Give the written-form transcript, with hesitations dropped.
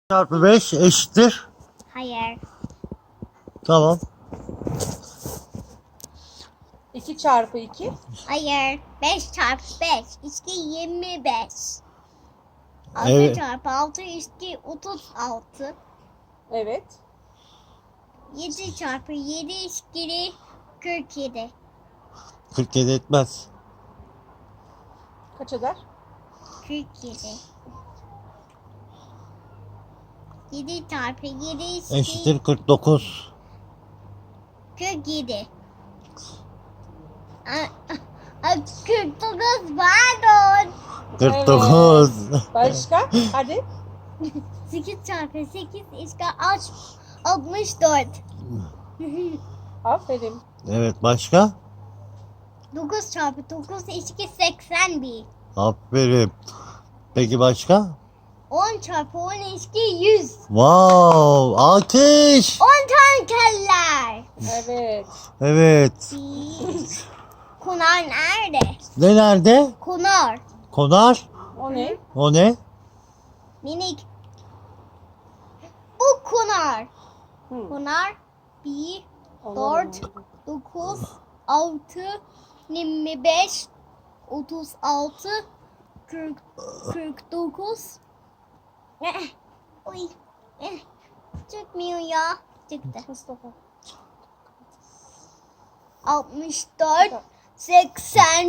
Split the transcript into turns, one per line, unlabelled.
Çarpı 5 eşittir.
Hayır.
Tamam.
2 çarpı 2.
Hayır. 5 çarpı 5. İşte 25. 6
Evet.
çarpı 6 işte 36.
Evet.
7 çarpı 7 işte 47.
47 etmez.
Kaç eder?
47. 7 çarpı 7 işte
Eşittir 49.
47. 49 pardon.
49.
Başka? Hadi.
8 çarpı 8 işte 64.
Aferin.
Evet, başka?
9 çarpı 9 işte 81.
Aferin. Peki başka?
10 çarpı 10 işte 100.
Wow! Alkış!
10 tane keller.
Evet.
Evet.
Konar nerede?
Ne nerede?
Konar.
Konar.
O ne?
O ne?
Minik. Bu konar.
Hı.
Konar 1,
Onlar
4, 9, 6, 25, 36, 40, 49. Oy. Çıkmıyor ya. Çıktı.
Mustafa.
64, 80.